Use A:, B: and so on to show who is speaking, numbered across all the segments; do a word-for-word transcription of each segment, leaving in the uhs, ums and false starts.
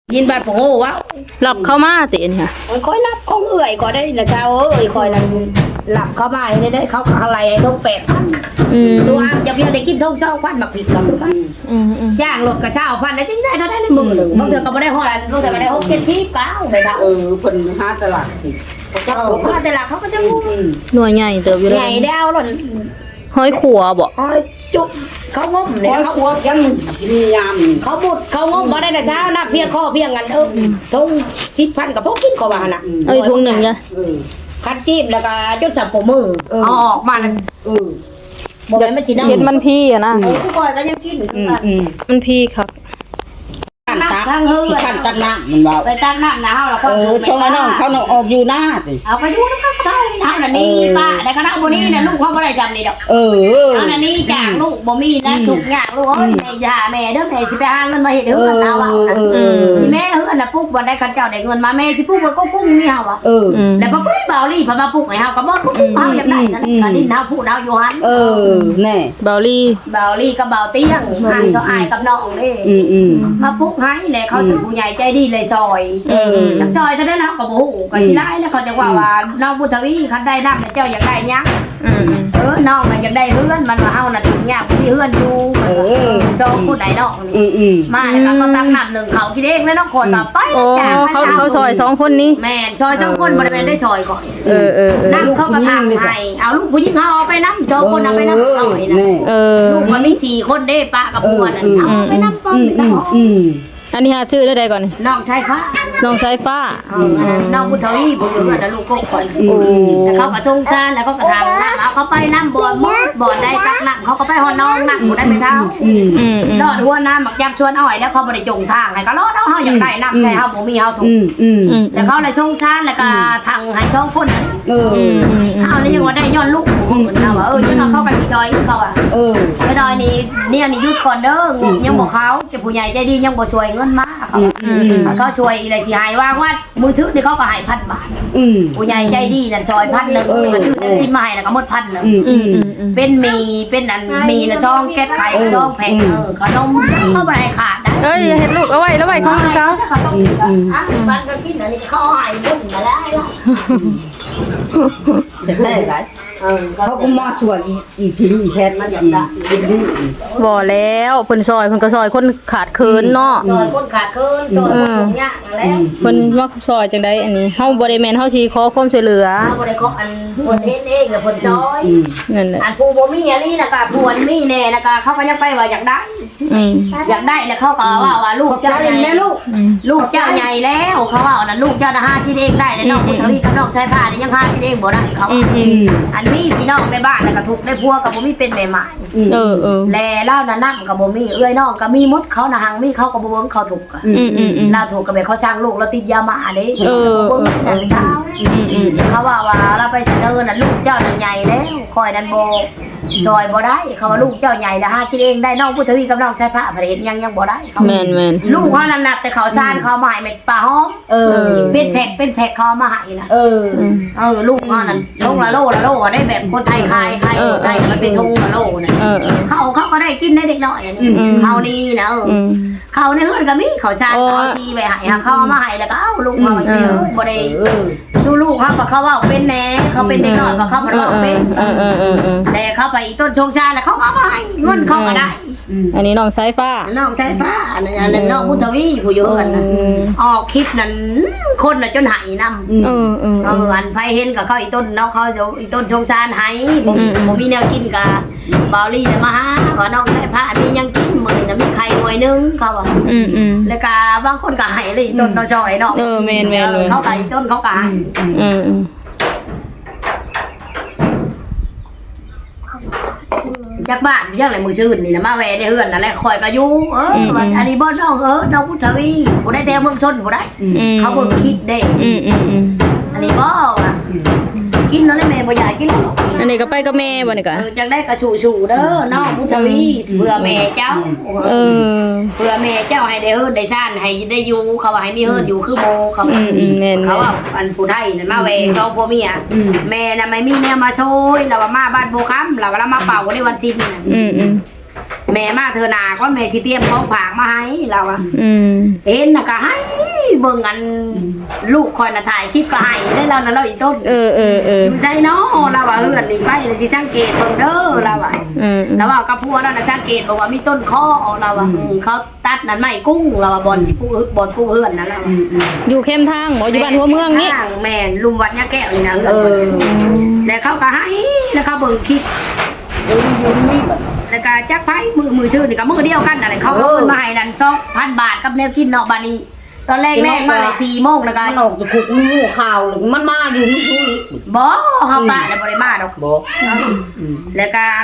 A: ยินบาดโง่วะ
B: หลับเข้ามาสิเนี่ย
A: มันค่อยรับของเอื่อยก็ได้ละเจ้าเอ้ยคอยนั่นหลับเข้ามาให้ได้เขาอะไรไอ้ทงแปดพัน
B: อืม
A: ตัวอ้างจะเพียงได้กินทงเจ้าพันมาผิดกับกัน
B: อืมอืม
A: ย่างรถกระเช้าพันแล้วจะได้เท่าได้ในมือหนึ่งบางเถื่อก็ไม่ได้ห่อแล้วบางเถื่อก็ได้หกเจ็ดสิบเก้าไปค่ะ
C: เออเพิ่นหาตลาดสิ
A: เจ้าพาแต่ละเขาก็จะงู
B: หน่วยใหญ่เติบอยู่เล
A: ใหญ่
B: ย
A: ดาวหล่น
B: ห้อยขัวบ่
A: คอยจุบเขางม
C: ข
A: เนี่
C: อย
A: เขา
C: ครัวยังมียาม
A: เขาบุดเขางมมาได้แต่เช้านะเพียงข้อเพียงกันเออทงสิบพันกับพวกกินขวาน่ะ
B: เอ้ยทุ่งหนึ่งจ้ะ
C: เออ
A: คัดจิ้มแล้วก็จุดสับผมมือเอาออกมานั่น
C: เออ
A: บอกให้มันจีน่า
B: เห็นมันพี่อะนะ
A: เออทุกคนก็ยังกินอยู่
C: อืม
A: กัน
C: อืม
B: มันพี่ครับ
C: ขันตัก
A: ทางเฮือ
C: ขันตักน้ำมันว่า
A: ไปตั้งน้ำหนาวแล้วก็
C: เออช่วงนั้นน้องเขาน้องออกอยู่หน้าสิ
A: เอาไปดูแล้วก็เท่านี้เท่านั้นนี่ป้าแต่คณะบุนี้เนี่ยลูกเขาไม่ได้จำนี่ดอก
C: เออเออ
A: เท่านั้นนี่จากลูกบ่มีนะถูกอย่างลูกเอ้ยแม่จะหาแม่เด้อแม่สิไปหาเงินมาเฮ็ด
C: เอ
A: เฮือ
C: อน
A: เอาเอา
C: เออเออ
A: แม่เฮือนน่ะปุ๊กบ่ได้คันเจ้าได้เงินมาแม่สิปุ๊กบ่ก็ปุ๊กนี่เฮาอ่ะ
C: เออ
B: อืม
A: แล้วพอปุ๊กเบาลี่พอมาปุ๊กให้เฮาก็บ่ปุ๊กเฮาอยากได้นั่นก็ดินเฮาพูดเฮาอยู่หัน
C: เออแน่
B: เบลลี่
A: เบาลี่กับเบาเตี้ยงหายซออายกับน้องเด้
C: อืมอืม
A: มาปุ๊กให้แหละเขาชื่อผู้ใหญ่ใจดีเลยซอย
B: เออ
A: นักซอยเท่านั้นแล้วก็บ่ฮู้ก็สิได้แล้วเขาจะว่าว่าน้องพุทธวีคันได้นำแล้วเจ้าอยากได้หยัง
B: อืมอืม
A: เออน้องมันอยากได้เฮือนมันว่าเฮาน่ะถึงยากที่เฮือนอยู่
C: เออ
A: สองคนไหนน้อง
C: อื
A: นี่
C: มอืม
A: มาแล้วก็ตักน้ำหนึ่งเขากินเองแล้วน้องคนต่อไป
B: โอ้
A: จ้ะ
B: เขาเขาซอยสองคนนี้
A: แม่นซอยสองคนบ่ได้แม่นได้ซอยก่อน
B: เออเออเออ
A: น้ำเขาก็ทางให้เอาลูกผู้หญิงเขาเอาไปน้ำสองคนเอาไปน้ำเอาไว้นะ
C: แน่
B: เออ
A: ลูกมันมีสี่คนเด้ป้ากับผัวนั่นเอาไปน้ำก่อน
C: อืม
A: ไป
C: อืม
A: น้ำ
C: อืม
B: อันนี้หาชื่อได้ใดก่อนนี่
A: น้องชายค่ะ
B: น้องสายฟ้า
A: เอออันนั้นน้องพุทธวีผมอยู่กับลูกกบคน
B: โอ้
A: แล้วเขาก็ชงชานแล้วเขาก็ทางน้ำเอาเขาไปน้ำบ่อนบ่อนได้ตักน้ำเขาก็ไปหอน้องน้ำบ่ได้ไปเท้า
C: อืม
B: อืมอืม
A: รอดหัวน้ำหมักยำชวนอ้อยแล้วเขาบ่ได้จงทางให้ก็รอดเอาเฮาอยากได้น้ำใช่เฮาบ่มีเฮาถู
C: อื
A: ก
C: มอืม
B: อืม
A: แล้วเขาเลยชงชานแล้วก็ทางให้ช่องคน
C: เออ
B: อืมอืมอืม
A: เอานี่ยังว่าได้ย้อนลูกเหมือนเขาว่าเออจะนอนเข้าไปที่ซอยเขาอ่ะ
C: เออ
A: ไปดอยนี่เนี่ยนี่ยุดก่อนเด้องบยังบอกเขาเจ้าผู้ใหญ่ใจดียังบ่ช่วยเงินมาเขา
C: อืมอืม
A: เขาช่วยอะไรสิหายว่าว่ามือชื่อนี่เขาก็ใหายพันบาท
C: อืม
A: ผู้ใหญ่ใจดีนั่นซอยพันหนึ่ง
C: เออ
A: มาชื่อนั่นกินมาให้แล้วก็หมดพันหนึ่ง
C: อืม
B: อื
C: อื
B: ม
C: ม
B: อืมอืม
A: เป็นมีเป็นอันมีนะช่องแก๊สไข่ช่องแผ่นเออขนมเข้าไปให้ขาดได้
B: เอ้ยเห็นลูกเอาไว้แล้วไว้ของเขา
A: เขาต้องอ่ะมันก็กินอันนี้เขาใหายบุญมาแล้ว
C: จะได้ไร
A: เออ
C: เขาก็มาสวยอีกทีอีกแพทย์มันอย่างนั้น
B: บ่แล้วเพิ่นซอยเพิ่นก็ซอยคนขาดเคินเนาะ
A: ซอยคนขาดเกินซอยคนถุงยากแล้ว
B: เพิ่นมาซอยจังไดอันนี้เฮาบ่ได้แม่นเฮาสิขอความช่วยเหลือ
A: เขาบ่ได้ขออันคนเฮ็ดเองแล้วคนซอย
B: นั่นแหละ
A: อันผู้บ่มีอันนี้นะกะผู้อันมีแน่นะกะเขาก็ยังไปว่าอยากได้
B: อืม
A: อยากได้แล้วเขาก็ว่าว่าลูกเจ้าใหญ่
C: แม่ลูก
B: อืม
A: ลูกเจ้าใหญ่แล้วเขาว่าน่ะลูกเจ้าน่ะหากินเองได้แล้วน้องพุทธวีกับน้องชายผ้านี่ยังหากินเองบ่ได้เขา
B: อืมอื
C: อื
B: ม
C: ม
A: อันมีพี่น้องในบ้านน่ะก็ทุกข์ได้พัวกับบ่มีเป็นแม่หมาย
B: เออเออ
A: แลเล่าน่ะนำกับบ่มีเอ้ยน้องก็มีหมดเขาน่ะหังมีเขาก็บ่เบิ่งเขาถูกข์อะ
B: อืมอืมอืม
A: เราถูกกับแบบเขาสร้างลูกแล้วติดยามาเด้
B: เออ
A: บ่เบิ่งนั่นเช้า
B: อืมอืม
A: เขาว่าว่าเราไปเสนอน่ะลูกเจ้าน่ะใหญ่แล้วคอยนันโบซอยบ่ได้เขาว่าลูกเจ้าใหญ่แล้วหากินเองได้น้องพุทธวีกับน้องชายพระพระเห็นยังยังบ่ได้เขา
B: แม่นแม่น
A: ลูกเขานั่นน่ะแต่เขาชานเขามาให้เม็ดปลาหอม
C: เออ
A: เป็นแพ็คเป็นแพ็คเขามาให้นะ
C: เออ
B: อืม
A: เออลูกเขานั่นลงละโลละโลได้แบบคนไทยขายขายคนไทยมันเป็นทงละโลน่ะ
B: เออเออ
A: เขาเขาก็ได้กินได้เด็กน้อยอันนี้
B: อืม
A: เขานี่นะเออ
B: อืม
A: เขาในเฮือนก็มีเขาชาน
B: โอ้
A: เขาชีไปให้เขาเอามาให้แล้วก็เอ้าลูกมาไว้เด้อบ่ได้
C: เออ
A: สู้ลูกเขาเพราะเขาว่าเป็นแหน่เขาเป็นเด็กน้อยเพราะเขาบ่
B: เอ
A: ได้
B: อเอ
A: เป็น
B: อเออเออเออ
A: แต่เขาไปต้นชงชาแล้วเขาเอามาให้เงินเขาก็ได้
B: อันนี้น้องสายฟ้า
A: น้องชายฟ้าอันนั้นอันนั้นน้องพุทธวีผู้อยู่กันนะ
B: อืม
A: ออกคลิปนั้นคนน่ะจนหายนำ
B: เออเออ
A: เอ
B: เอ
A: อ
B: อ
A: อันไผเห็นกับเขาอีต้นเนาะเขาจะอีต้นชงชานหายบ่
B: อืม
A: บ่มีแนวกินกะบาวลี่มาหาว่าน้องชายฟ้ามียังกินมื้อนี้น่ะมีไข่หน่วยนึงเขาว่า
B: อืมอืม
A: แล้วก็บางคนก็ให้เลยอีต้นเนาะจอยเนาะ
B: เออแม่นแม่น
A: เออเขาก็อีต้นเขาก็ให้
B: อืมอืม
A: จากบ้านไปจากไหนมือชื่นนี่นะมาแวในเฮือนนั่นแหละคอยก็อยู่เออออันนี้บ่น้องเออน้องพุทธวีบ่ได้แต่เมืองชนบ่ได้
B: อืม
A: เขาเบิ่งคลิปเด้
B: อืมอืมอืม
A: อันนี้บ่ว่ะกินแล้วแม่บ่อยากกินแล้ว
B: อันนี้ก็ไปกับแม่บ่นี่ก็
A: เออจังได้กระชูชูเด้อน้องพุทธวีเพื่อแม่เจ้า
B: เออ
A: เพื่อแม่เจ้าให้ได้เฮือนได้ซ่านให้ได้อยู่เขาว่าให้มีเฮือนอยู่คือโมเขา
B: อืมอืมแม่น
A: เขาว่าอันผู้ไทยนั่นมาแวชอบพ่อเมียแม่น่ะไม่มีแนวมาโชยแล้วว่ามาบ้านโบค้ำแล้วว่ามาเป่าในวันสิ้นน่ะ
B: อืมอืม
A: แม่มาเธอนาก็แม่ชิเตรียมของฝากมาให้เราอะ
B: อืม
A: เห็นน่ะก็ให้เบิ่งอันลูกคอยน่ะถ่ายคลิปก็ให้ได้แล้วนะเราอีต้น
B: เออเออเออ
A: อยู่ใช่เนาะเราว่าเฮือนนี่ไปสิสังเกตเบิ่งเด้อเราว่า
B: อืม
A: แล้วว่ากับพัวนั่นน่ะสังเกตบอกว่ามีต้นข้อเราว่าอืมเขาตัดนั่นไม้กุ้งเราว่าบอนสิปูบอนปูเฮือนนั่นแหละ
B: อยู่เข้มทางบ่อยู่บ้านหัวเมืองนี่
A: ข้างแม่นลุมวัดยาแก้วนี่นะเฮือน
C: เอ
A: เพิ่
C: อน
A: แล้วเขาก็ให้แล้วเขาเบิ่งคลิป
C: เอออยู่นี่แบบ
A: แล้วก็จักไผมือมือชื่อนี่ก็มือเดียวกันนั่นแหละเขาเอาเงินมาให้นั่นสองพันบาทกับแนวกินเนาะบาดนี้ตอนแรกแม่มาเลยสี่โมงนะคะ
C: มันออกจากคุกมีงูข่าวเลยมันมาอยู่นี่ช่วย
A: บ่เฮาปะแล้วบ่ได้มาดอก
C: บอก
A: แล้วการ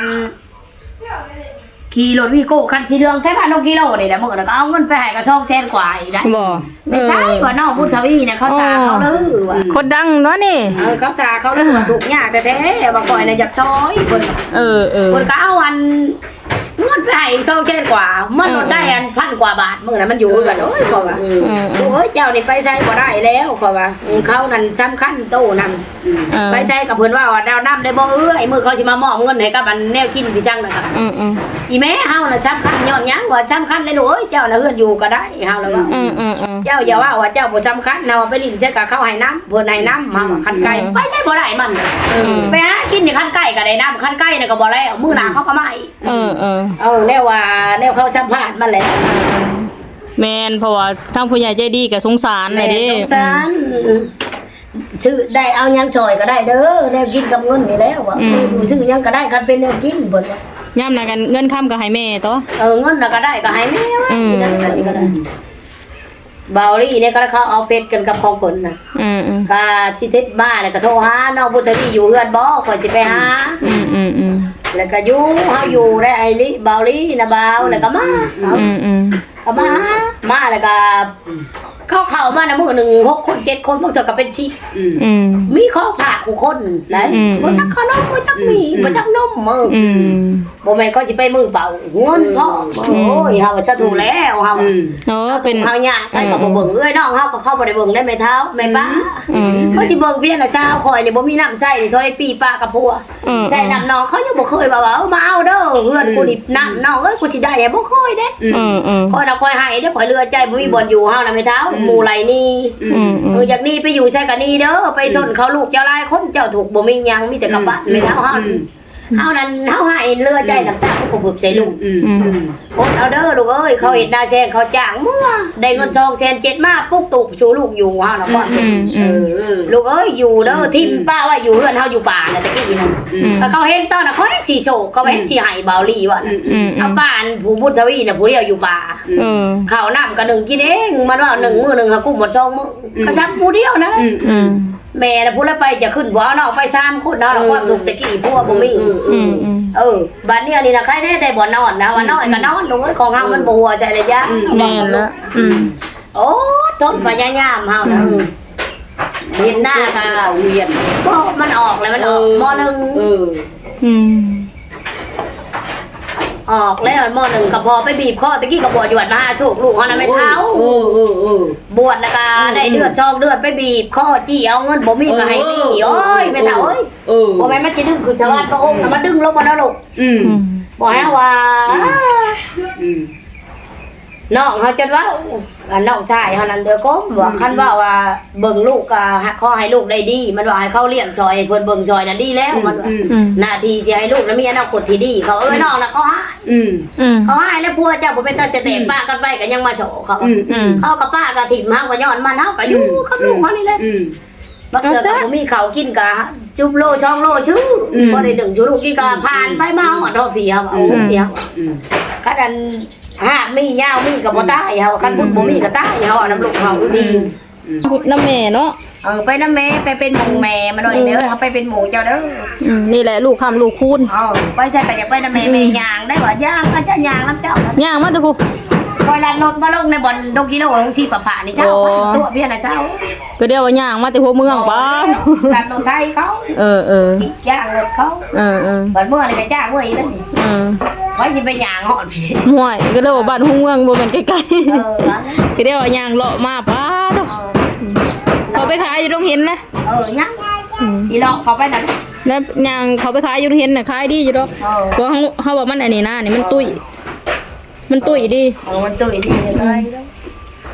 A: ขี่รถวีโก้คันสีเหลืองแท้พันกิโลนี่แหละมื้อนั้นก็เอาเงินไปให้ก็สองแสนกว่าอีกได้
B: บ่
A: ไม่ใช่ว่าน้องพุทธวีเนี่ยเขาสาเขาลือว่า
B: คนดังเนาะนี่
A: เออเขาสาเขาลือว่าถูกยากแท้ๆบางก่อยน่ะอยากซอยเพิ่น
B: เออเออ
A: เพิ่นก็เอาอันเงินไปให้สองแสนกว่ามันลดได้อันพันกว่าบาทมื้อนั้นมันอยู่กันโอ้ยเขาว่า
B: อืม
A: โอ้ยเจ้านี่ไปใช้บ่ได้แล้วเขาว่าเขานั่นสำคัญโตนั่น
B: เออ
A: ไปใช้กับเพิ่นว่าว่าดาวน้ำได้บ่เอ้ยมื้อเขาสิมามอบเงินให้กับอันแนวกินพี่จังน่ะค่ะ
B: อืมอืม
A: อีแม่เฮาน่ะสำคัญย้อนหยังว่าสำคัญเลยลูกเอ้ยเจ้าน่ะเฮือนอยู่ก็ได้เฮาแล้วว่า
B: อืมอืมอืม
A: เจ้าอย่าว่าว่าเจ้าบ่สำคัญนะว่าไปลิ้นใช้กับเขาให้น้ำเพิ่นให้น้ำเฮาว่าคันไก่
B: อืม
A: ไปใช้บ่ได้มันไปหากินนี่คันไก่ก็ได้น้ำคันไก่นี่ก็บ่แล้วมื้อหน้าเขาก็มาอีก
B: เออเออ
A: เออแล้วว่าแนวเขาสัมภาษณ์มันแหละ
B: แม่นเพราะว่าทางผู้ใหญ่ใจดีก็สงสารเลยเด้
A: สงสารชื่อได้เอาหยังซอยก็ได้เด้อแนวกินกับเงินนี่แล้วว่าชื่อหยังก็ได้คันเป็นแนวกินเพิ่นว่า
B: ย่ำนะกันเงินค้ำก็ให้แม่ตัว
A: เออเงินน่ะก็ได้ก็ให้แม่ว่า
B: อืม
A: กินนั่นก็ได้เบาลี่เนี่ยก็เขาเอาเป็ดกันกับของเพิ่นน่ะ
B: อืมอืม
A: ก็สิเทศมาแล้วก็โทรหาน้องพุทธวีอยู่เฮือนบ่ข่อยสิไปหา
B: อืมอืมอืม
A: แล้วก็อยู่เฮาอยู่ได้ไอ้ลิเบาลี่นะเบาแล้วก็มาเอา
B: อืมอืม
A: ก็มาหามาแล้วก็เข้าเข้ามานะมื้อหนึงหกคนเจ็ดคนพวกเธอก็เป็นสิบ
B: อืม
A: มีข้อผากคู่คนได้
B: อืม
A: บ่จักขนมบ่จักมีบ่จักนมมือ
B: อืม
A: บ่แม่นก็สิไปมือเปล่าเงินพ่อโอ้ยเฮาว่าซะถูกแล้วเฮา
B: เนาะเป็น
A: เฮาย่างไปก็บ่เบิ่งเอ้ยน้องเฮาก็เข้าบ่ได้เบิ่งได้แม่เท้าแม่ป้า
B: อืม
A: เขาสิเบิ่งเพียงแต่เช้าคอยนี่บ่มีน้ำใส่นี่เท่าได้ปีป้ากับพัว
B: อืม
A: ใส่น้ำน้องเขายังบ่เคยว่าว่าเอามาเอาเด้อเฮือนกูนี่น้ำน้องเอ้ยกูสิได้แหบ่เคยเด้
B: อืมอืม
A: คอยน่ะคอยให้เด้อคอยเรือใจบ่มีบ่อนอยู่เฮาน่ะแม่เท้าหมู่ไหลนี่
B: อืมอื
A: เอ
B: ม
A: ออยากนี่ไปอยู่ใช่กันนี่เด้อไปสนเขาลูกเจ้าหลายคนเจ้าถูกบ่มีหยังมีแต่กระบะแม่เท้าเฮาเฮานั้นเฮาให้เรือใจน้ำตากูผึบใส่ลูก
B: อืม
A: อดเอาเด้อลูกเอ้ยเขาเห็นหน้าแซงเขาจ้างมั่วได้เงินซองแสนเจ็ดมาปุ๊กตุกชูลูกอยู่เฮาน่ะก่อน
B: อืมอืม
A: ลูกเอ้ยอยู่เด้อทิมป้าว่าอยู่เฮือนเฮาอยู่ป่าน่ะตะกี้นั่น
B: อืม
A: แล้วเขาเห็นตอนน่ะเขาเห็นสีโศกเขาเห็นสีไห้เบาลีว่าน่ะ
B: อืม
A: เอาป้าอันผู้บุญทวีน่ะผู้เดียวอยู่ป่า
B: เออ
A: ข้าวน้ำก็หนึ่งกินเองมันว่าหนึ่งมื้อหนึ่งหากุ้งหมดสองมื้อก็ชักผู้เดียวนะ
B: อืม
A: แม่น่ะพูดแล้วไปจะขึ้นบ่เอาเนาะไปสามคนเนาะแล้วความสุขตะกี้พวกบ่มี
B: อืมอืม
A: เออบัดเนี้ยนี่น่ะใครได้ได้บ่นอนนะว่านอนก็นอนลูกเอ้ยของเฮามันบ่หัวใจระยะ
B: แม่นละอืม
A: โอ้ทนพยายามเฮานะเห็นหน้าก็
C: เวียน
A: ก็มันออกแล้วมันออกมหนึ่ง
C: เออ
B: อืม
A: ออกแล้วมหนึ่งก็พอไปบีบคอตะกี้ก็บวชอยู่วัดมหาโชคลูกเขานะไม่เท้า
C: เออเออเออบ
A: วชแล้วก็ได้เลือดจอกเลือดไปบีบคอจี้เอาเงินบ่มีก็ให้มีโอ้ยไม่เท้าเอ้ย
C: เออ
A: บ่แม่นมันสิดึงคือชาวบ้านพระองค์น่ะมาดึงลงมาแล้วลูก
C: อืม
B: อืม
A: บ่ให้ว่า
C: อืม
A: น้องเขาจนว่าอันน้องชายเฮานั้นเด้อก็ว่าคันว่าว่าเบิ่งลูกก็ขอให้ลูกได้ดี มันว่าให้เขาเลี้ยงซอยให้เพิ่นเบิ่งซอยน่ะดีแล้วมันว่า
B: อืม
A: หน้าที่สิให้ลูกนั้นมีอนาคตที่ดีเขาเอ้ยน้องน่ะเขาให้
C: อืม
B: อืม
A: เขาให้แล้วพัวเจ้าบ่เป็นตาจะแตกป้ากันไปก็ยังมาโฉเขา
C: อืม
B: อืม
A: เขากับป้าก็ถิ่มเฮาก็ย้อนมันเฮาก็อยู่กับลูกเขานี่แหละ
C: อืม
A: บักเทื่อก็บ่มีข้าวกินก็จุบโลช่องโลชื่ออ
C: ม
A: บ่ได้ดึงชูลูกกินก็ผ่านไปมาฮอดฮอดพี่เฮาเอาพี่เฮา
C: อืม
A: คันอันหากมียาวมีก็บ่ตายเฮาคันบุญบ่มีก็ตายเฮาเอาน้ำลูกเฮาดี
B: พุดน้ำแม่เนาะ
A: เออไปน้ำแม่ไปเป็นหมู่แม่มาหน่อยเด้อเฮาไปเป็นหมู่เจ้าเด้อ
B: อืมนี่แหละลูกคำลูกคูณ
A: เออไปใช่ก็อยากไปน้ำแม่แม่ย่างได้บ่ย่างก็จะย่างน้ำเจ้า
B: ย่างมาเถอะพู
A: คอยลัดรถมาลงในบ่อนดงกิโลลงชีปะผานี่เช้า
B: โอ้
A: ตัวเพี้ยนน่ะเช้า
B: ก็เดียวว่าย่างมาแต่หัวเมืองป้า
A: การรถไทยเขา
B: เออเออ
A: ขี่ย่างรถเขา
B: เออเออ
A: บัดเมื่อนี่ก็จ้างเว้ยนั่นนี่
B: อืม
A: ไว้สิไปย่างหอดพี่
B: ห่วยก็เลยว่าบ้านหัวเมืองบ่แม่นใกล้
A: เออนะ
B: ๆก็เดียวว่าย่างเลาะมาป้าเถอะเขาไปขายอยู่ตรงเห็นนะ
A: เออยังสิลอกเขาไปนั่น
B: แล้วย่างเขาไปขายอยู่ตรงเห็นน่ะขายดีอยู่ดอก
A: เออ
B: เพราะเขาเขาว่ามันอันนี้นะนี่มันตุ้ยมันตุ้ยดี
A: เออมันตุ้ยดีเลยเขาก็สิ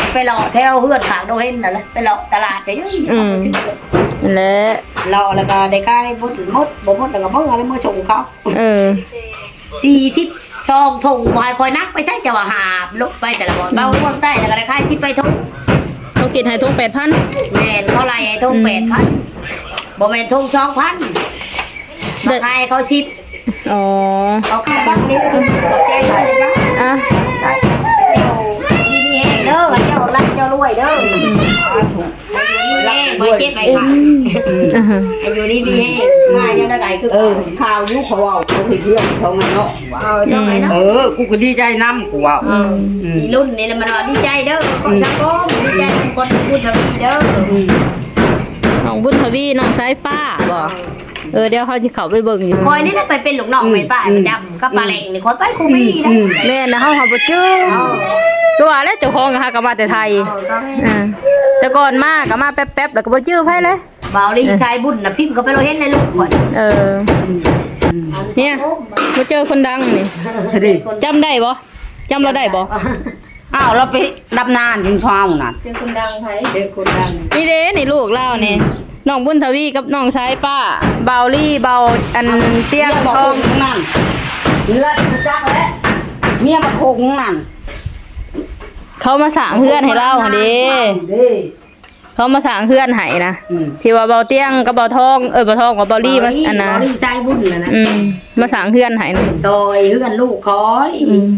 A: ไปเลาะแถวเฮือนขางโดเห็นนั่นแหละไปเลาะตลาดจะยุ่ย
B: นั่นแหละ
A: เลาะแล้วก็ได้ใกล้บดหมดบ่หมดแล้วก็เบิ่งอะไรเมื่อชงเขา
B: เออ
A: สี่สิบซองถุงบ่ให้คอยนักไปใช้จะว่าหาบลบไปแต่ละบ่เบาร่วงได้แล้วก็ได้ค่ายสิบไปถุง
B: เขากินให้ทุกแปดพัน
A: แม่นเขาไล่ให้ถุงแปดพันบ่แม่นถุงสองพันมาขายเขาสิบ
B: อ๋อ
A: เขาขายบักนี้ขอบใจเลยนะ
B: อ่ะ
A: ดีมีแห้งเด้อเจ้ารักเจ้ารวยเด้อแม่บ่เจ็บไปค่ะ
B: อ่าฮะ
A: อายุดีมีแห้งมายังได้ไหลคือ
C: เออข่าวยุเขาเอาเขาไปเที่ยวสองมันเนาะ
A: เอาเจ้าไหนเนาะ
C: เออกูก็ดีใจนำกูว่า
B: อืม
A: มีรุ่นนี่แหละมันว่าดีใจเด้อคนสังคมดีใจคนพูดทวีเด้อ
B: น้องบุญทวีน้องสายฟ้าบ่เออเดี๋ยวเขาจะเข้าไปเบิ่งอยู่
A: คอยนี่แหละไปเป็นลูกน้องไม่ป้าประจำกับปลาแหลงนี่คอยไปคูบี้นะ
B: แม่นะเฮาเฮาบ่จื้อตัวแล้วเจ้าของก็หาก็มาแต่ไทยอ่าแต่ก่อนมาก็มาแป๊บๆแล้วก็บ่จื้อไผเลย
A: บ่าวลีชายบุญนะพิมพ์เขาไปเราเห็นในลูกก่อน
B: เออเนี่ยมาเจอคนดังนี่
C: ดิ
B: จำได้บ่จำเราได้บ่
C: อ้าวเราไปดับนานถึงเช้าน่ะ
A: เจอคนดังไผเจอคนดัง
B: นี่เด้นี่ลูกเล่านี่น้องบุญทวีกับน้องสายป้าเบาลี่เบาอันเตี้ยง
C: บอก
B: ทอง
C: นั่นเลือดจักแล้วเมียมาโคงนั่น
B: เขามาสร้างเฮือนให้เราหั่นเด้
C: เด้
B: เขามาสร้างเฮือนให้นะ
C: อืม
B: ที่ว่าเบาเตี้ยงกับเบาทองเออเบาทองกับเบาลี่มาอันน่ะ
A: บ่าวลีชายบุญน่ะนะ
B: อืมมาสร้างเฮือนให้นะ
A: ซอยเฮือนลูกคอย
B: อืม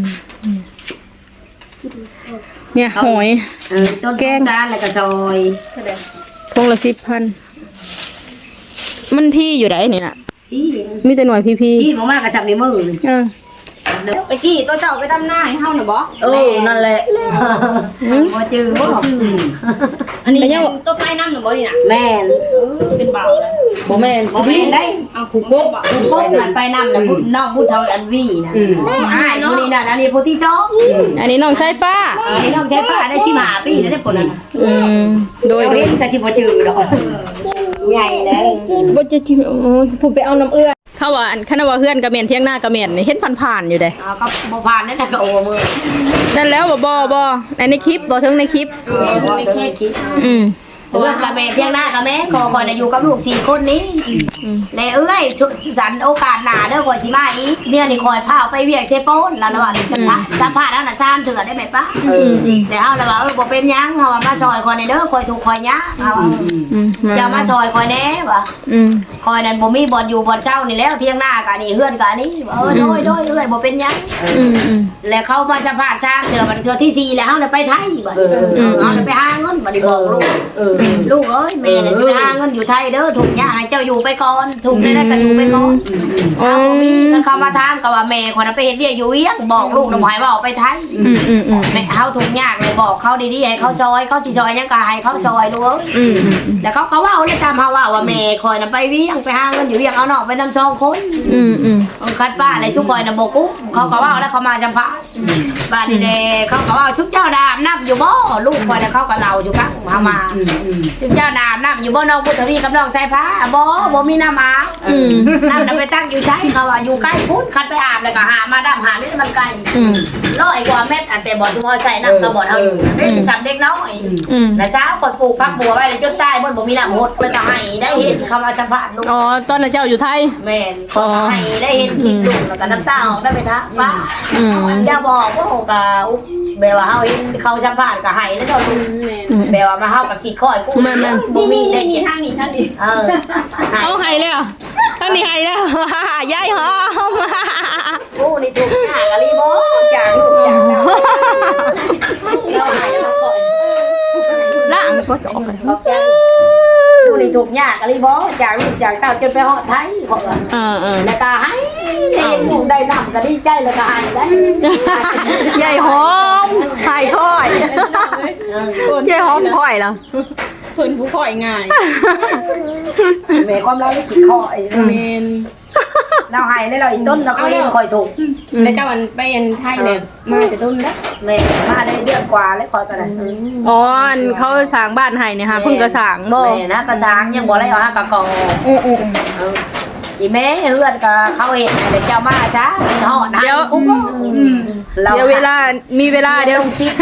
B: เนี่ยหอย
A: เออต้นแกงจานแล้วก็ซอย
B: ทงละสิบพันมันพี่อยู่ไหนนี่น่ะ
A: ที่
B: มีแต่หน่วยพี่พี่
A: ที่บ่มากก็จับในมือนี่
B: เออ
D: ไปกี้ตัวเจ้าไปดำหน้าให้เฮาน่ะบ่
C: เออนั่นแหละ
A: บ่จือบ่
D: อันนี้ยังตัวไปน้ำน่ะบ่นี่น่ะ
A: แม่น
D: เป็นเบาแล้ว
C: บ่แม่น
A: บ่แม่นได้
D: เอาผูกกบอ่ะ
A: พบนั่นไปนำน่ะพูดน้องพูดเท่าอันวีนะ
C: อืม
A: อ้ายผู้นี้น่ะอันนี้ผู้ที่สอง
B: อันนี้น้องสายป้า
A: อันนี้น้องใช้ฟ้าได้ชิมหาปีได้ผลนั้น
B: อืมโดย
A: โด
B: โด
A: ย
B: ย
A: ก็ชิบ่จือดอกใหญ่เลย
B: บ่จะที่โอ้ผมไปเอาน้ำเอื้อเขาว่าอันคันว่าเฮือนกระเมียนเที่ยงหน้ากระเมียนนี่เห็นผ่านๆอยู่เด้
A: เอาก็บ่ผ่านนั่นน่ะก็โอ้มือ
B: นั่นแล้วบ่บ่บ่ในคลิปบ่ถึงในคลิป
A: บ่เคยคิด
B: อืม
A: เอื้อกะแม่เที่ยงหน้ากะแม่ขอก่อนอยู่กับลูกสี่คนนี้แล้วเอ้ยสันโอกาสหน้าเด้อข่อยสิมาอีกเนี่ยนี่คอยพาไปเวียกเซโปนแล้วนะว่าสัมภาษณ์สัมภาษณ์แล้วน่ะซ้ำเถื่อได้ไหมป้า
B: อืมอืม
A: แต่เฮาแล้วว่าเออบ่เป็นหยังเฮาว่ามาซอยคอยในเด้อคอยถูกคอยยะเอา
B: อืม
A: อย่ามาซอยคอยแน่ว่ะ
B: อืม
A: คอยนั่นบ่มีบ่อนอยู่บ่อนเช่านี่แล้วเที่ยงหน้ากะนี่เฮือนกะนี่เออโดยโดยเอ้ยบ่เป็นหยัง
B: อืมอืม
A: แล้วเขามาสัมภาษณ์ช้างเถื่อบัดเถื่อที่สี่แล้วเฮาเลยไปไทยบัด
C: เออ
A: เออเฮาเลยไปหาเงินบัดนี้บอกลูก
C: เออ
A: ลูกเอ้ยแม่เนี่ยสิไปหาเงินอยู่ไทยเด้อถูกยาให้เจ้าอยู่ไปก่อนถูกได้แล้วก็อยู่ไปก่อน
B: อ๋อ
A: เอาบ่มีกันเข้ามาทางก็ว่าแม่คนนั้นไปเฮ็ดเวียกอยู่เวียงบอกลูกน้ำหายว่าออกไปไทย
B: อืมอืมอืม
A: แม่เฮาทุกยากเลยบอกเขาดีๆให้เขาซอยเขาสิซอยหยังก็ให้เขาซอยลูกเอ้ย
B: อืมอืม
A: แล้วเขาก็เว้าเลยตามเฮาว่าว่าแม่คอยน่ะไปเวียงไปหาเงินอยู่เวียงเอาน้องไปนำสองคน
B: อืมอืม
A: เอาคัดป้าอะไรชุกคอยน่ะบ่กุ้มเขาก็เว้าแล้วเขามาจำพาบ้านนี่แหละเขาก็เว้าชุบเจ้าดามน้ำอยู่บ่ลูกคอยแล้วเขาก็เล่าอยู่ครับเฮามา ชุบเจ้าดามน้ำอยู่บ่น้องพุทธวีกับน้องสายฟ้าบ่บ่มีน้ำอาบ
B: อืม
A: น้ำน่ะไปตั้งอยู่ใช้เขาว่าอยู่ใกล้พุ่นคันไปอาบแล้วก็หามาดำหานี่มันไกล
B: อืม
A: ร้อยกว่าเม็ดอันแต่บ่ทุกเอาใส่น้ำก็บ่เท่าอยู่ได้สำเด็กน้อย
B: อืม
A: แล้วเช้าก่อนปลูกพักบัวไว้แล้วจนตายบ่บ่มีน้ำหดแล้วก็ให้ได้เห็นเขามาสัมภาษณ์ลูก
B: อ๋อตอนนั้นเจ้าอยู่ไทย
A: แม่นขอให้ได้เห็นคลิปลูกแล้วก็น้ำตาออกได้ไปทักป้า
B: อืม
A: อย่าบอกว่าโหก็แบบว่าเฮาเห็นเขาสัมภาษณ์ก็ให้แล้วก็ลูก
B: อืม
A: แบบว่ามาเฮาก็คิดข้อยกู
B: แม่น
A: บ่มีได้
D: นี่
A: กิน
D: ทางนี้ทางนี้
A: เออให้
B: เอาให้แล้วทั้งนี้ให้แล้ว ยายหอม
A: โอ้นี่ถูกยากอะลีบ่จากลูกจากเต้าเราให้มาก่อน
B: ล่างก็จะออกกัน
A: ขอบใจดูนี่ถูกยากอะลีบ่จากลูกจากเต้าจนไปฮอดไทยขอว่า
B: เออเออ
A: แล้วก็ให้ได้หมู่ได้นำก็ดีใจแล้วก็ให้ได้
B: ยายหอมไข่ค่อยยายหอมค่อยแล้ว
D: เพิ่นผู้ข่อยง่าย
A: แม่ความเราได้คิดข้อไอ้
D: แม่น
A: เราให้แล้วเราอีต้นเราก็เห็นคอยถูก
D: แล้วเจ้าอันไปอันไทยเนี่ยมาแต่ต้นแล้ว
A: แม่มาได้เดือนกว่าแล้วคอยไปไหน
B: อ๋ออันเขาสร้างบ้านให้เนี่ยค่ะเพิ่งก็สร้างบ่
A: แม่นะกระช้างยังบ่ได้เอาหากะกอ
B: อืออือ
A: เอออีแม่เฮือนก็เขาเห็นเดี๋ยวเจ้ามาช้าหอดนะ
B: เดี๋ยว
A: กู
B: เดี๋ยวเวลามีเวลา
A: เดี๋
B: เดี๋
A: ย
B: ยว ว
A: คลิปนะคะ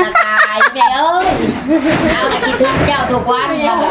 A: ายแม่เอ้ยเอาละคิดถึงเจ้าทุกวัน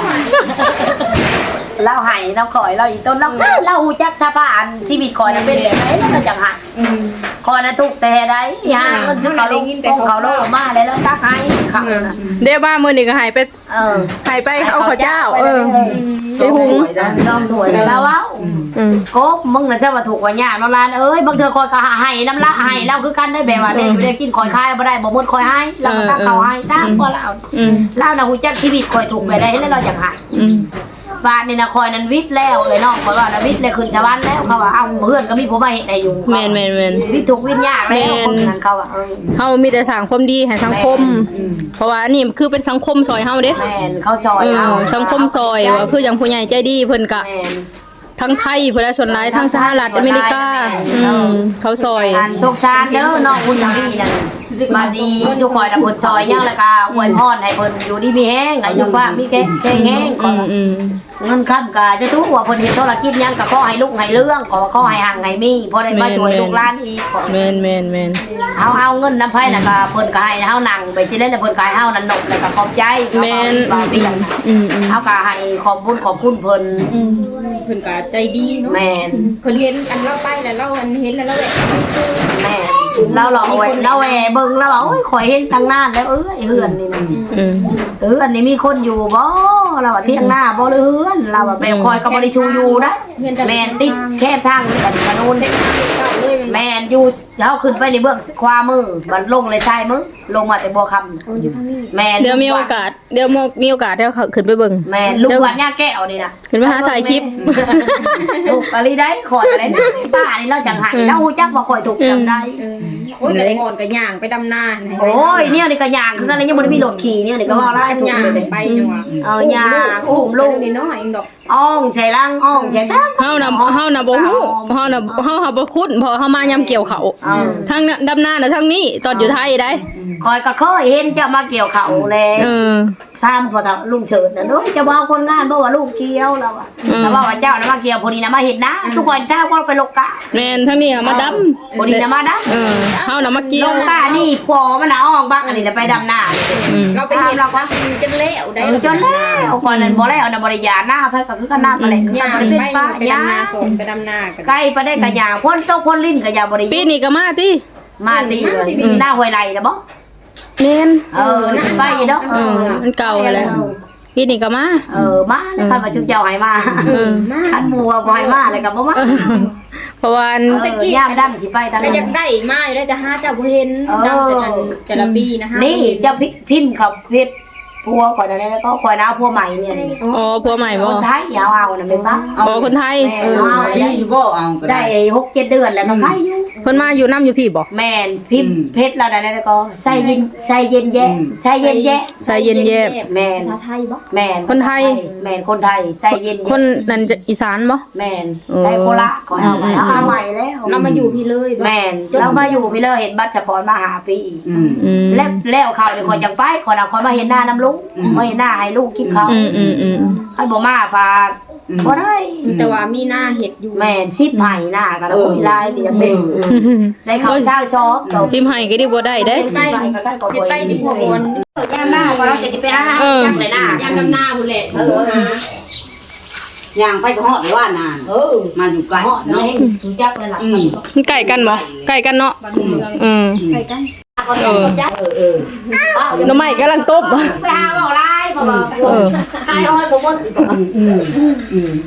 A: เราให้เราขอยเราอีต้นเราเราหูจักสะพานชีวิตคอยน่ะเป็นแบบไหนเราจังหักคอยน่ะทุกแต่ใดหาเงินซื้อเขาลงของเขาโลกมาแล้วตักให้เขาน่ะ
B: เดี๋ยวบ้านมื้อนี้ก็ให้ไป
A: เออ
B: ให้ไปเอาข้าวเจ้า เออไปหุง
A: ลองถวยแล้วเว้า
B: อืม
A: กบมึงน่ะเจ้าว่าถูกว่ายากเนาะลานเอ้ยบางเทื่อคอยก็ให้น้ำละให้เราคือกันได้แบบว่าได้อยู่ได้กินคอยคายบ่ได้บ่หมดคอยให้เราก็ตักเขาให้ตามบ่เรา
B: อืม
A: เราน่ะฮู้จักชีวิตคอยถูกไปได้แล้วเราจังหัก
B: อืม
A: บ้านนี่นะคอยนั้นวิทย์แล้วเลยเนาะคอยว่านะวิทย์เลยขึ้นชาวบ้านแล้วเขาว่าเอ้าเพื่อนก็มีผมมาเห็นให้อยู่
B: แม่นแม่นแม่น
A: วิทย์ถูกวิทย์ยากแล้วคนนั้นเขาว่าเออ
B: เฮามีแต่สร้างความดีให้สังคม เพราะว่านี่คือเป็นสังคมซอยเฮาเด้
A: แม่นเขาจอย
B: เออ
A: เอา
B: สังคมซอยว่าคืออย่างผู้ใหญ่ใจดีเพิ่นก็
A: แม่น
B: ทั้งไทยเพิ่นและชนหลายทั้งสหรัฐอเมริกาอืมเขาซอย
A: อันโชคชานเด้อน้องคุณทางพี่นั่นมาดีทุกคอยน่ะเพิ่นจอยยังแล้วก็อวยพรให้เพิ่นอยู่ดีมีแห้งให้ชุกว่ามีแข็งแข็งแห้งข
B: อื
A: อ
B: มอืม
A: เงินค้ำก็จะทุกว่าเพิ่นเฮ็ดธุรกิจหยังก็ขอให้ลูกให้เรื่องขอขอให้ห่างให้มีพอได้มาช่วยลูกหลานอีกขอ
B: แม่นแม่นแม่น
A: เฮาเอาเงินน้ำไผ่น่ะก็เพิ่นก็ให้เฮานั่งไปสิเล่นแต่เพิ่นก็ให้เฮานั่นนกแล้วก็ขอบใจ
B: แม่น
A: บางที
B: อืมอืม
A: เฮาก็ให้ขอบคุณขอบคุณเพิ่น
D: เพิ่นก็ใจดีเนาะ
A: แม่น
D: เพิ่นเห็นอันเราไปแล้วเราอันเห็นแล้วเราแหละไม่ซื้อ
A: แม่นเราหลอกไว้เราแหวเบิ่งแล้วว่าโอ้ยข่อยเห็นตั้งนานแล้วเอ้ยเฮือนนี่มัน
B: อืม
A: เฮือนนี่มีคนอยู่บ่เราว่าเที่ยงหน้าบ่หรือเฮือนเราว่าแบบข่อยก็บ่ได้ชูอยู่นะแม่นติดแค่ทางนี่กันกระนูน
D: เก่าเลยมัน
A: แม่นอยู่เฮาขึ้นไปในเบื้องขวามือมันลงเลยซ้ายมือลงมาแต่บัวคำ
D: โอ้อยู่ทางนี้
A: แม่น
B: เดี๋ยวมีโอกาสเดี๋ยวมีโอกาสเดี๋ยวเขาขึ้นไปเบิ่ง
A: แม่นลูกวัดย่าแก้วนี่นะ
B: ขึ้นไปหาถ่ายคลิป
A: ถูกอะไรได้ขอดอะไรได้ป้านี่เราจังหันเราหูจักว่าข่อยถูกจำได้
D: เออโอ้ยแต่ก่อนก็ย่างไปดำนาให้
A: โอ้ยเนี่ยนี่ก็ย่างคือกันเลยยังบ่ได้มีรถขี่เนี่ยนี่ก็ว่าไล่ถูก
D: ย่าง
A: เลย
D: ไปจังหวะ
A: เอาย่างอุ้มลูก
D: นี่เนาะเองดอก
A: อ้องใส่ลังอ้องใส่ตั้ง
B: เฮาน่ะเฮาน่ะบ่ฮู้เฮาน่ะเฮาหาบ่คุ้นเพราะเฮามายามเกี่ยวเขาทั้งดำนาน่ะทั้งนี้ตอนอยู่ไทยได้
A: คอยก็เคยเห็นเจ้ามาเกี่ยวเขาแล
B: เออ
A: ซ้ำพอเฒ่าลุงเฉิดน่ะเนาะจะบ่เอาคนงานบ่ว่าลูกเกี่ยวแล้วอ่ะแต่ว่าว่าเจ้าน่ะมาเกี่ยวพอดีน่ะมาเห็นนะทุกคนถ้าว่าไปลกกะ
B: แม่นทั้งนี้อะมาดำ
A: พอดีน่ะมาดำ
B: เออเฮาน่ะมาเกี่ย
A: ล
B: ว
A: งกะนี่พอมันน่ะอ้องบักอันนี้น่ะไปดำนา
B: อืม
D: เราไปเห็นเราก็จนเละได้
A: จนแล้วก่อนนั้นบ่แล้วน่ะบ่ได้ยาหน้าไผก็คือกันน้ำอะไรคือย่
D: าง
A: บ่
D: ไป
A: ได้เป็นป้า
D: ไป
A: ยา
D: ดำนาสนไปดำนากัน
A: ไก่ไปได้กะยางพ่นตกพ่นลิ้นกะยาบ่ได้
B: ปีนี้ก็มาติ
A: มาดีเลยหน้าห้วยไหลน่ะบ่
B: แม่น
A: เออน่ะไปเนาะ
B: เออมันเก่าแล้วปีนี้ก็มา
A: เออมาแล้วคันว่าชุบเจ้าให้มา
B: เออ
A: คันหมู่ว่าบ่ให้มาแล้วก็บ่มา
B: เพราะว่าอัน
A: เออยามดำสิไปทาง
D: แต่
A: นั้
D: อยาก
A: น
D: ได้มาอยู่ได้จะหาเจ้าบ่เห็นดำแต่กันแต่ละปีนะฮะ
A: นี่เจ้าพิมพ์เขาเพชรพัวข่อยนั่นแล้วก็ข่อยน้าพัวใหม่เนี่ยนี่
B: อ๋อผัวใหม่
A: ค
B: บ่
A: นไทยยาวเอาน่ะแม่นปะ
B: อ๋อคนไทย
A: แม่เอา
C: ดีบ่เอาก็
A: ได้
C: ได้
A: หกเจ็ดเดือนแล้วก็ไข่อยู่
B: เพิ่นมาอยู่น้ำอยู่พี่บ่
A: แม่นพิมพ์เพชรแล้วนั่นแล้วก็ใส่เย็นใส่เย็นแยะใส่เย็นแยะ
B: ใส่เย็นแยบ
A: แม่น
D: ภาษาไทยบ่
A: แม่น
B: คนไทย
A: แม่นคนไทยใส่เย็น
B: คนนั่นจะอีสานบ่
A: แม่น
B: เออ
A: ได้โคละขอเอาไว้เอาเอาไว้แล้ว
D: เรามาอยู่พี่เลยบ่
A: แม่นเรามาอยู่พี่เราเห็นบัตรสปอร์ตมาหาปี
C: อืม
B: อืม
A: แล้วแล้วเขาเดี๋ยวคนจังไปคนเอาคนมาเห็นหน้าน้ำลุงมาเห็นหน้าให้ลูกกินเขา
B: อืมอืมอืม
A: อันบ่มาพาบ่ได้
D: แต่ว่ามีหน้าเห็ดอยู่
A: แม่นชิบไห้หน้ากันแล้วคุยไลน์ไปจังเป็นได้เข้าเช้าชอบตก
B: ซิมให้ก็ได้บ่ได้เด้
A: ใกล้ใกล้ๆก็
D: เห็ด
A: บ่
D: ใต้ดินหัวบน
A: ยามหน้าก็เราจะไปหา
B: เออ
A: จังเลยหน้าย
D: ามดำนาพุ่นแหละโทรหา
C: ย่างไปก็ฮอดว่านาน
A: เออ
C: มาอยู่ไกล
A: เหาะ
C: เนาะ
A: เนาะรู้จักเลยล่ะ
C: อืม
B: มันใกล้กันบ่ใกล้กันเนาะอืม
A: เออเออเออ
B: หน่อไม้กำลังต้ม
A: ไปหาเว้าไลน์บ่บ่
B: เออ
A: ใครเอาให้สมมุติ
C: อืมอืม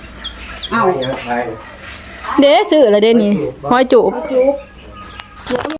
C: เอ้า
B: เด้ซื้อแล้วเด้นี่หอยจูบ